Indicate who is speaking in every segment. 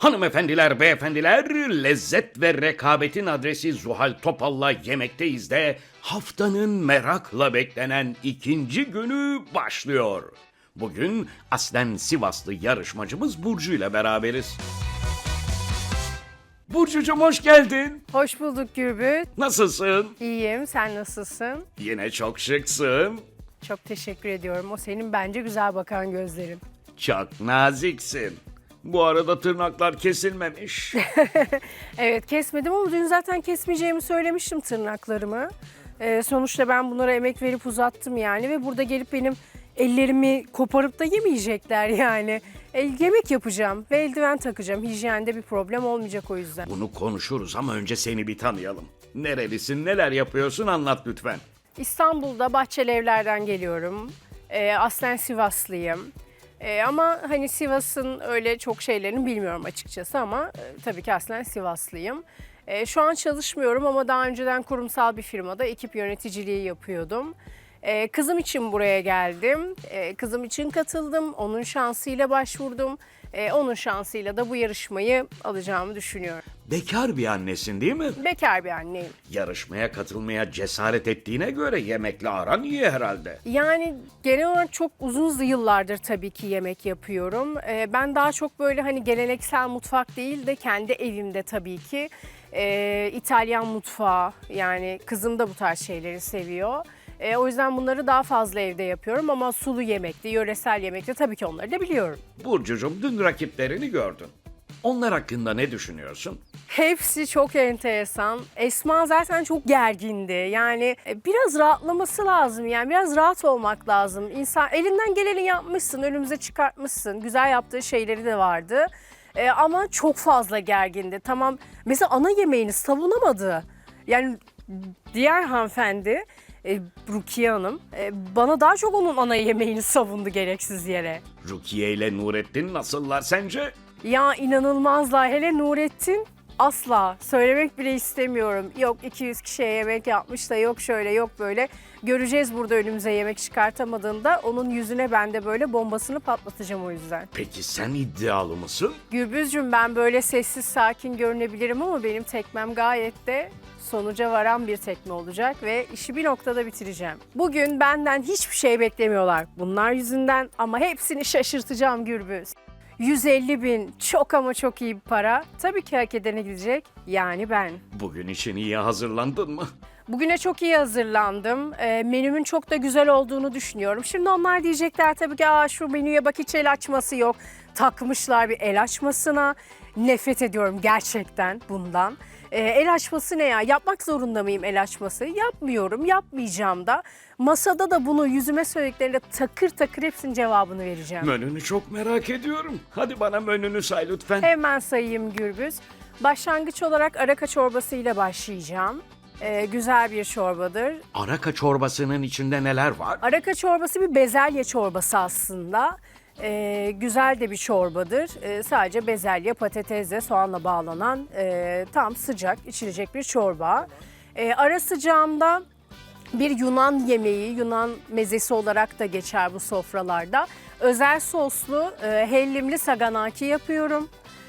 Speaker 1: Hanımefendiler, beyefendiler, lezzet ve rekabetin adresi Zuhal Topal'la yemekteyiz de haftanın merakla beklenen ikinci günü başlıyor. Bugün aslen Sivaslı yarışmacımız Burcu ile beraberiz. Burcucuğum hoş geldin.
Speaker 2: Hoş bulduk Gürbüz.
Speaker 1: Nasılsın?
Speaker 2: İyiyim, sen nasılsın?
Speaker 1: Yine çok şıksın.
Speaker 2: Çok teşekkür ediyorum. O senin bence güzel bakan gözlerin.
Speaker 1: Çok naziksin. Bu arada tırnaklar kesilmemiş.
Speaker 2: Evet, kesmedim ama dün zaten kesmeyeceğimi söylemiştim tırnaklarımı. Sonuçta ben bunlara emek verip uzattım yani ve burada gelip benim ellerimi koparıp da yemeyecekler yani. Yemek yapacağım ve eldiven takacağım. Hijyende bir problem olmayacak o yüzden.
Speaker 1: Bunu konuşuruz ama önce seni bir tanıyalım. Nerelisin, neler yapıyorsun anlat lütfen.
Speaker 2: İstanbul'da Bahçeli Evler'den geliyorum. Aslen Sivaslıyım. Ama hani Sivas'ın öyle çok şeylerini bilmiyorum açıkçası ama tabii ki aslen Sivaslıyım. Şu an çalışmıyorum ama daha önceden kurumsal bir firmada ekip yöneticiliği yapıyordum. Kızım için buraya geldim. Kızım için katıldım. Onun şansıyla başvurdum. Onun şansıyla da bu yarışmayı alacağımı düşünüyorum.
Speaker 1: Bekar bir annesin değil mi?
Speaker 2: Bekar bir anneyim.
Speaker 1: Yarışmaya katılmaya cesaret ettiğine göre yemekle aran iyi herhalde.
Speaker 2: Yani genel olarak çok uzun yıllardır tabii ki yemek yapıyorum. Ben daha çok böyle hani geleneksel mutfak değil de kendi evimde tabii ki İtalyan mutfağı, yani kızım da bu tarz şeyleri seviyor. O yüzden bunları daha fazla evde yapıyorum ama sulu yemekte, yöresel yemekte tabii ki onları da biliyorum.
Speaker 1: Burcucuğum dün rakiplerini gördün. Onlar hakkında ne düşünüyorsun?
Speaker 2: Hepsi çok enteresan. Esma zaten çok gergindi. Yani biraz rahatlaması lazım. Yani biraz rahat olmak lazım. İnsan elinden geleni yapmışsın, önümüze çıkartmışsın. Güzel yaptığı şeyleri de vardı. Ama çok fazla gergindi. Tamam. Mesela ana yemeğini savunamadı. Yani diğer hanımefendi Rukiye Hanım bana daha çok onun ana yemeğini savundu gereksiz yere.
Speaker 1: Rukiye ile Nurettin nasıllar sence?
Speaker 2: Ya inanılmazlar. Hele Nurettin asla söylemek bile istemiyorum. Yok 200 kişiye yemek yapmış da yok şöyle yok böyle. Göreceğiz burada önümüze yemek çıkartamadığında onun yüzüne ben de böyle bombasını patlatacağım o yüzden.
Speaker 1: Peki sen iddialı mısın?
Speaker 2: Gürbüzcüm, ben böyle sessiz sakin görünebilirim ama benim tekmem gayet de sonuca varan bir tekme olacak ve işi bir noktada bitireceğim. Bugün benden hiçbir şey beklemiyorlar bunlar yüzünden ama hepsini şaşırtacağım Gürbüz. 150 bin çok ama çok iyi bir para. Tabii ki hak edene gidecek. Yani ben.
Speaker 1: Bugün için iyi hazırlandın mı?
Speaker 2: Bugüne çok iyi hazırlandım. Menümün çok da güzel olduğunu düşünüyorum. Şimdi onlar diyecekler tabii ki şu menüye bak hiç el açması yok. Takmışlar bir el açmasına. Nefret ediyorum gerçekten bundan. El açması ne ya? Yapmak zorunda mıyım el açması? Yapmıyorum, yapmayacağım da. Masada da bunu yüzüme söylediklerinde takır takır hepsinin cevabını vereceğim.
Speaker 1: Menünü çok merak ediyorum. Hadi bana menünü say lütfen.
Speaker 2: Hemen sayayım Gürbüz. Başlangıç olarak araka çorbası ile başlayacağım. Güzel bir çorbadır.
Speaker 1: Araka çorbasının içinde neler var?
Speaker 2: Araka çorbası bir bezelye çorbası aslında. Güzel de bir çorbadır. Sadece bezelye, patatesle, soğanla bağlanan tam sıcak içilecek bir çorba. Ara sıcağında bir Yunan yemeği, Yunan mezesi olarak da geçer bu sofralarda. Özel soslu hellimli saganaki yapıyorum.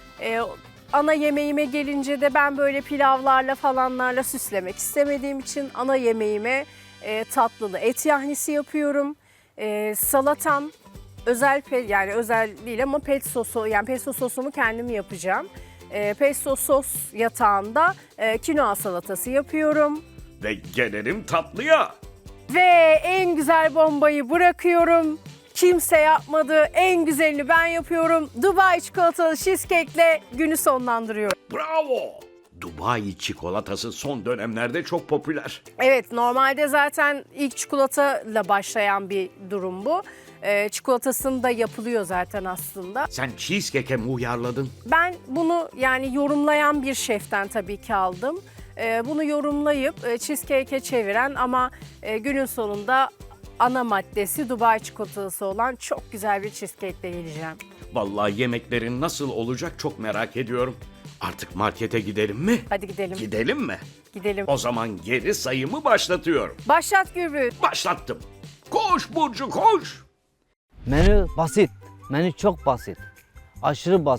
Speaker 2: Ana yemeğime gelince de ben böyle pilavlarla falanlarla süslemek istemediğim için ana yemeğime tatlılı et yahnisi yapıyorum. Salatam özel yani özel değil ama pesto sosu, yani pesto sosumu kendim yapacağım. Pesto sos yatağında kinoa salatası yapıyorum.
Speaker 1: Ve gelelim tatlıya.
Speaker 2: Ve en güzel bombayı bırakıyorum. Kimse yapmadı. En güzelini ben yapıyorum. Dubai çikolatalı cheesecake'le günü sonlandırıyorum.
Speaker 1: Bravo! Dubai çikolatası son dönemlerde çok popüler.
Speaker 2: Evet, normalde zaten ilk çikolatayla başlayan bir durum bu. Çikolatasını da yapılıyor zaten aslında.
Speaker 1: Sen cheesecake'e mi uyarladın?
Speaker 2: Ben bunu yani yorumlayan bir şeften tabii ki aldım. Bunu yorumlayıp cheesecake'e çeviren ama günün sonunda ana maddesi Dubai çikolatası olan çok güzel bir cheesecake'le geleceğim.
Speaker 1: Vallahi yemeklerin nasıl olacak çok merak ediyorum. Artık markete gidelim mi?
Speaker 2: Hadi gidelim.
Speaker 1: Gidelim mi?
Speaker 2: Gidelim.
Speaker 1: O zaman geri sayımı başlatıyorum.
Speaker 2: Başlat Gürbüz.
Speaker 1: Başlattım. Koş Burcu koş.
Speaker 3: Menü basit. Menü çok basit. Aşırı basit.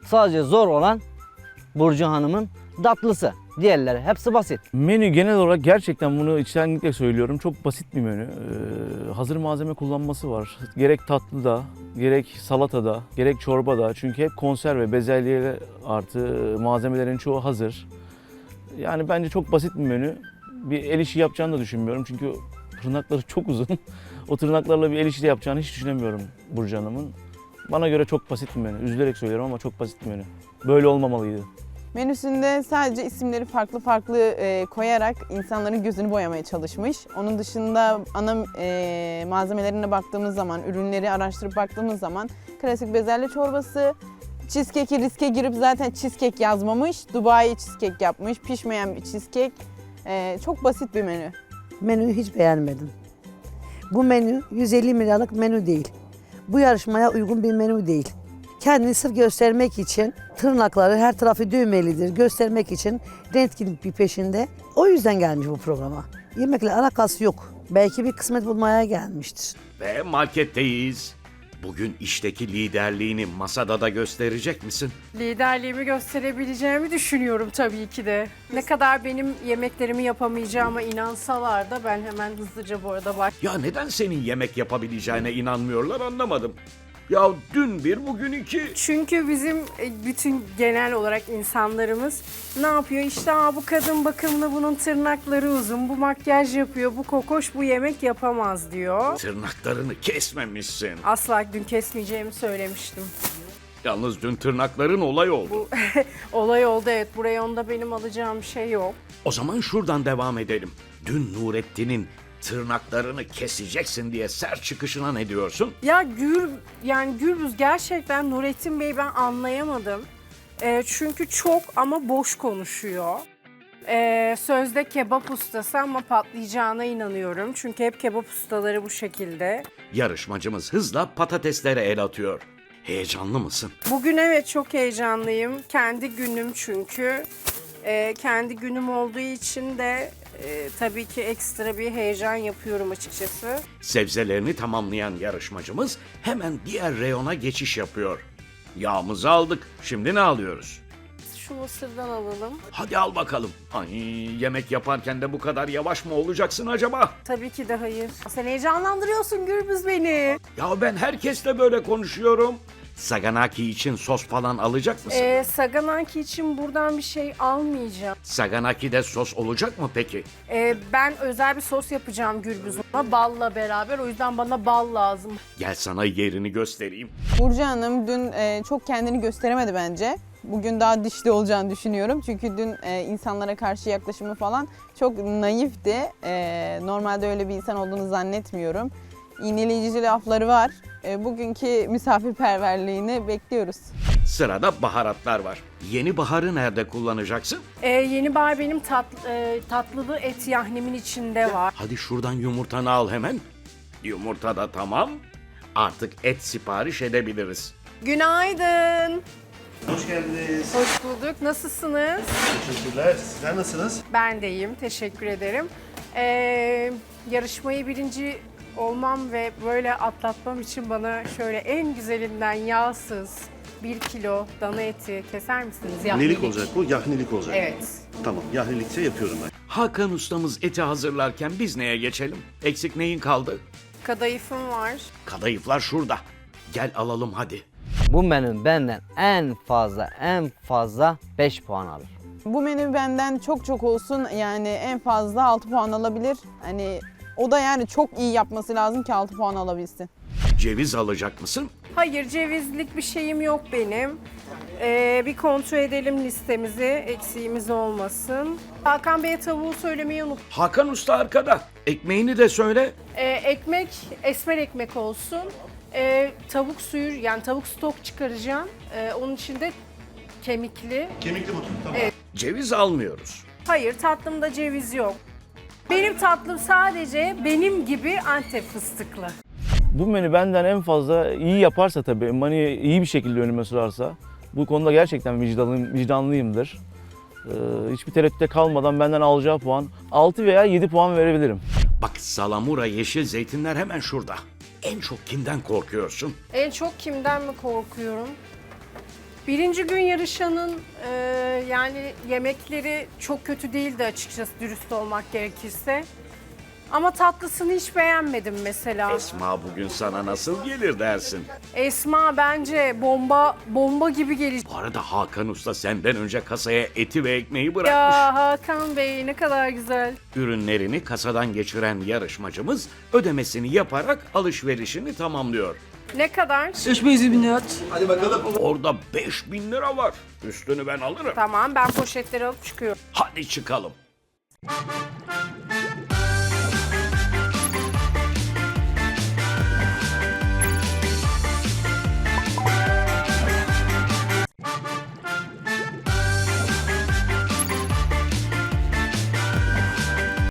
Speaker 3: Sadece zor olan Burcu Hanım'ın tatlısı. Diğerleri hepsi basit.
Speaker 4: Menü genel olarak gerçekten bunu içtenlikle söylüyorum. Çok basit bir menü. Hazır malzeme kullanması var. Gerek tatlıda, gerek salatada, gerek çorbada. Çünkü hep konserve, bezelye artı malzemelerin çoğu hazır. Yani bence çok basit bir menü. Bir el işi yapacağını da düşünmüyorum. Çünkü tırnakları çok uzun. O tırnaklarla bir el işi de yapacağını hiç düşünemiyorum Burcu Hanım'ın. Bana göre çok basit bir menü. Üzülerek söylüyorum ama çok basit bir menü. Böyle olmamalıydı.
Speaker 5: Menüsünde sadece isimleri farklı farklı koyarak insanların gözünü boyamaya çalışmış. Onun dışında ana malzemelerine baktığımız zaman, ürünleri araştırıp baktığımız zaman klasik bezelye çorbası, cheesecake'i riske girip zaten cheesecake yazmamış, Dubai cheesecake yapmış, pişmeyen bir cheesecake. Çok basit bir menü.
Speaker 6: Menüyü hiç beğenmedim. Bu menü 150 liralık menü değil. Bu yarışmaya uygun bir menü değil. Kendini sırf göstermek için tırnakları her tarafı düğmelidir. Göstermek için röntgen bir peşinde. O yüzden gelmiş bu programa. Yemekle alakası yok. Belki bir kısmet bulmaya gelmiştir.
Speaker 1: Ve marketteyiz. Bugün işteki liderliğini masada da gösterecek misin?
Speaker 2: Liderliğimi gösterebileceğimi düşünüyorum tabii ki de. Ne kadar benim yemeklerimi yapamayacağıma inansalar da ben hemen hızlıca bu arada
Speaker 1: Ya neden senin yemek yapabileceğine inanmıyorlar anlamadım. Ya dün bir, bugün iki.
Speaker 2: Çünkü bizim bütün genel olarak insanlarımız ne yapıyor? İşte bu kadın bakımlı, bunun tırnakları uzun, bu makyaj yapıyor, bu kokoş, bu yemek yapamaz diyor.
Speaker 1: Tırnaklarını kesmemişsin.
Speaker 2: Asla dün kesmeyeceğimi söylemiştim.
Speaker 1: Yalnız dün tırnakların olay oldu.
Speaker 2: Olay oldu, evet. Buraya onda benim alacağım bir şey yok.
Speaker 1: O zaman şuradan devam edelim. Dün Nurettin'in tırnaklarını keseceksin diye sert çıkışına ne diyorsun?
Speaker 2: Ya Gürbüz gerçekten Nurettin Bey ben anlayamadım. Çünkü çok ama boş konuşuyor. Sözde kebap ustası ama patlayacağına inanıyorum. Çünkü hep kebap ustaları bu şekilde.
Speaker 1: Yarışmacımız hızla patateslere el atıyor. Heyecanlı mısın?
Speaker 2: Bugün evet çok heyecanlıyım. Kendi günüm çünkü. Kendi günüm olduğu için de tabii ki ekstra bir heyecan yapıyorum açıkçası.
Speaker 1: Sebzelerini tamamlayan yarışmacımız hemen diğer reyona geçiş yapıyor. Yağımızı aldık. Şimdi ne alıyoruz?
Speaker 2: Şu mısırdan alalım.
Speaker 1: Hadi al bakalım. Ay, yemek yaparken de bu kadar yavaş mı olacaksın acaba?
Speaker 2: Tabii ki de hayır. Sen heyecanlandırıyorsun Gürbüz beni.
Speaker 1: Ya ben herkesle böyle konuşuyorum. Saganaki için sos falan alacak mısın?
Speaker 2: Saganaki için buradan bir şey almayacağım.
Speaker 1: Saganaki'de sos olacak mı peki?
Speaker 2: Ben özel bir sos yapacağım Gürbüz'üme balla beraber. O yüzden bana bal lazım.
Speaker 1: Gel sana yerini göstereyim.
Speaker 5: Burcu Hanım dün çok kendini gösteremedi bence. Bugün daha dişli olacağını düşünüyorum. Çünkü dün insanlara karşı yaklaşımı falan çok naifti. Normalde öyle bir insan olduğunu zannetmiyorum. İğneleyici lafları var. Bugünkü misafirperverliğini bekliyoruz.
Speaker 1: Sırada baharatlar var. Yeni baharı nerede kullanacaksın?
Speaker 2: Yeni bar benim tatlılı et yahnimin içinde var.
Speaker 1: Hadi şuradan yumurtanı al hemen. Yumurta da tamam. Artık et sipariş edebiliriz.
Speaker 2: Günaydın.
Speaker 7: Hoş geldiniz.
Speaker 2: Hoş bulduk. Nasılsınız?
Speaker 7: Teşekkürler. Sizler nasılsınız?
Speaker 2: Ben de iyiyim. Teşekkür ederim. Yarışmayı birinci olmam ve böyle atlatmam için bana şöyle en güzelinden yağsız 1 kilo dana eti keser misiniz?
Speaker 7: Nelik olacak bu? Yahnilik olacak.
Speaker 2: Evet.
Speaker 7: Tamam, yahnilikse yapıyorum ben.
Speaker 1: Hakan ustamız eti hazırlarken biz neye geçelim? Eksik neyin kaldı?
Speaker 2: Kadayıfım var.
Speaker 1: Kadayıflar şurada. Gel alalım hadi.
Speaker 3: Bu menü benden en fazla 5 puan alır.
Speaker 5: Bu menü benden çok olsun yani en fazla 6 puan alabilir. Hani o da yani çok iyi yapması lazım ki 6 puan alabilsin.
Speaker 1: Ceviz alacak mısın?
Speaker 2: Hayır, cevizlik bir şeyim yok benim. Bir kontrol edelim listemizi, eksiğimiz olmasın. Hakan Bey'e tavuğu söylemeyi unuttum.
Speaker 1: Hakan usta arkada. Ekmeğini de söyle.
Speaker 2: Ekmek, esmer ekmek olsun. Tavuk suyu, yani tavuk stok çıkaracağım. Onun için de kemikli.
Speaker 7: Kemikli buton, tamam.
Speaker 1: Ceviz almıyoruz.
Speaker 2: Hayır, tatlımda ceviz yok. Benim tatlım sadece benim gibi Antep fıstıklı.
Speaker 4: Bu menü benden en fazla iyi yaparsa tabii, Mani'yi iyi bir şekilde önüme sürarsa, bu konuda gerçekten vicdanlıyımdır. Hiçbir tereddütte kalmadan benden alacağı puan 6 veya 7 puan verebilirim.
Speaker 1: Bak salamura yeşil zeytinler hemen şurada. En çok kimden korkuyorsun?
Speaker 2: En çok kimden mi korkuyorum? Birinci gün yarışanın yani yemekleri çok kötü değildi açıkçası, dürüst olmak gerekirse. Ama tatlısını hiç beğenmedim mesela.
Speaker 1: Esma bugün sana nasıl gelir dersin?
Speaker 2: Esma bence bomba gibi gelecek.
Speaker 1: Bu arada Hakan Usta senden önce kasaya eti ve ekmeği bırakmış.
Speaker 2: Ya Hakan Bey ne kadar güzel.
Speaker 1: Ürünlerini kasadan geçiren yarışmacımız ödemesini yaparak alışverişini tamamlıyor.
Speaker 2: Ne kadar?
Speaker 8: 6.700 lira.
Speaker 1: Orada 5.000 lira var. Üstünü ben alırım.
Speaker 2: Tamam, ben poşetleri alıp çıkıyorum.
Speaker 1: Hadi çıkalım.